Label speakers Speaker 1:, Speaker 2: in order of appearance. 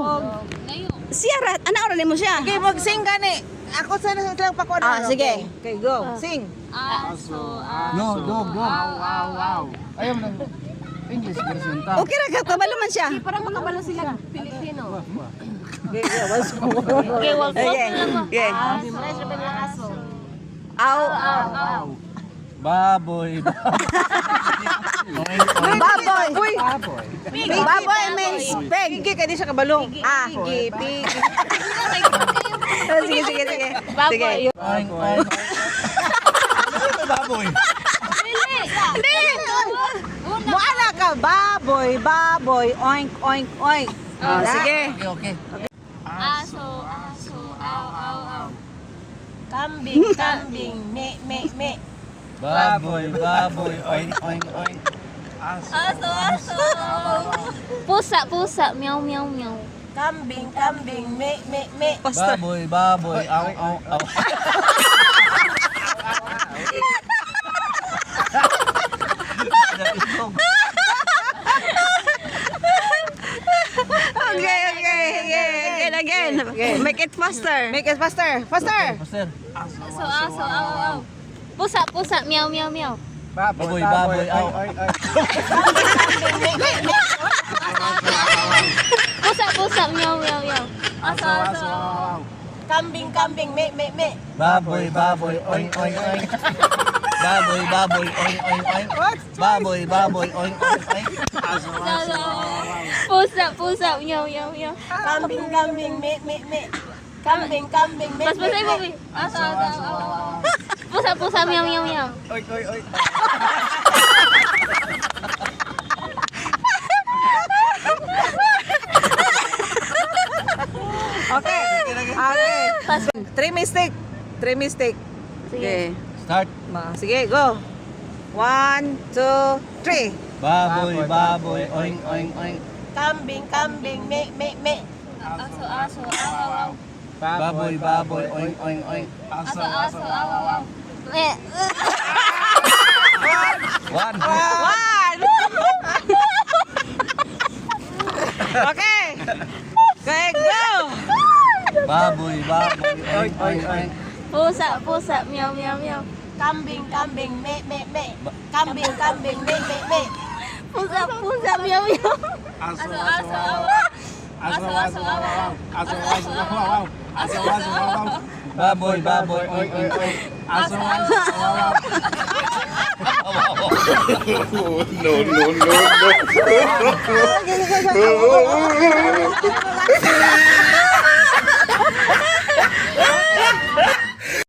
Speaker 1: Siya rat, ana oras mo siya.
Speaker 2: Okay, mag-sing gani. Ako sana lang pa ko.
Speaker 1: Sige.
Speaker 2: Okay, go. Sing.
Speaker 3: Aso,
Speaker 4: No, dog. Ayaw mo ng English version ta.
Speaker 1: Okay ra ka kabalo man siya.
Speaker 3: Parang makabalo sila Pilipino.
Speaker 2: Okay, go.
Speaker 3: Okay, well,
Speaker 1: Okay. Okay.
Speaker 3: Fresh ba ng aso?
Speaker 1: Aw.
Speaker 4: Baboy.
Speaker 1: Baboy.
Speaker 2: Uy,
Speaker 1: Baboy means pig.
Speaker 2: pigi ka di siya kabalo.
Speaker 1: Pigi. Sige.
Speaker 3: Baboy.
Speaker 4: Oink, oink. Baboy.
Speaker 1: Hindi.
Speaker 2: Muala ka, baboy, oink, oink, oink.
Speaker 1: Sige.
Speaker 4: Okay.
Speaker 3: Aso, aw. Kambing, me.
Speaker 4: Baboy, oink, oink.
Speaker 3: Aso. Pusa, meow.
Speaker 2: Kambing, me.
Speaker 1: Pastor.
Speaker 4: Baboy, aw. Okay. Again. Make it faster.
Speaker 2: Make it faster.
Speaker 4: Pastor.
Speaker 3: Aso, aw. Pusa, meow.
Speaker 4: Baboy, aw.
Speaker 3: Pusa, meow. Aso.
Speaker 2: Kambing, me.
Speaker 4: Baboy, oink, oink. Baboy, oink, oink. Baboy, oink, oink.
Speaker 3: Pusa, meow.
Speaker 2: Kambing, me. Kambing, me.
Speaker 3: Pas mo. Aso, aw. Pusa, meow.
Speaker 4: Oink.
Speaker 2: Okay. Three mistake.
Speaker 1: Okay.
Speaker 4: Start.
Speaker 2: Sige, go. 1, 2, 3.
Speaker 4: Baboy, oink, oink.
Speaker 2: Kambing, me.
Speaker 3: Aso, aw.
Speaker 4: Baboy, oink.
Speaker 3: Aso, aw.
Speaker 4: One.
Speaker 2: Okay. Okay, go.
Speaker 4: Baboy, oink.
Speaker 3: Pusa, meow.
Speaker 2: Kambing, me. Kambing, me.
Speaker 3: Pusa, meow.
Speaker 4: Aso,
Speaker 3: Aso.
Speaker 4: Baboy, oink. Aso.
Speaker 5: No.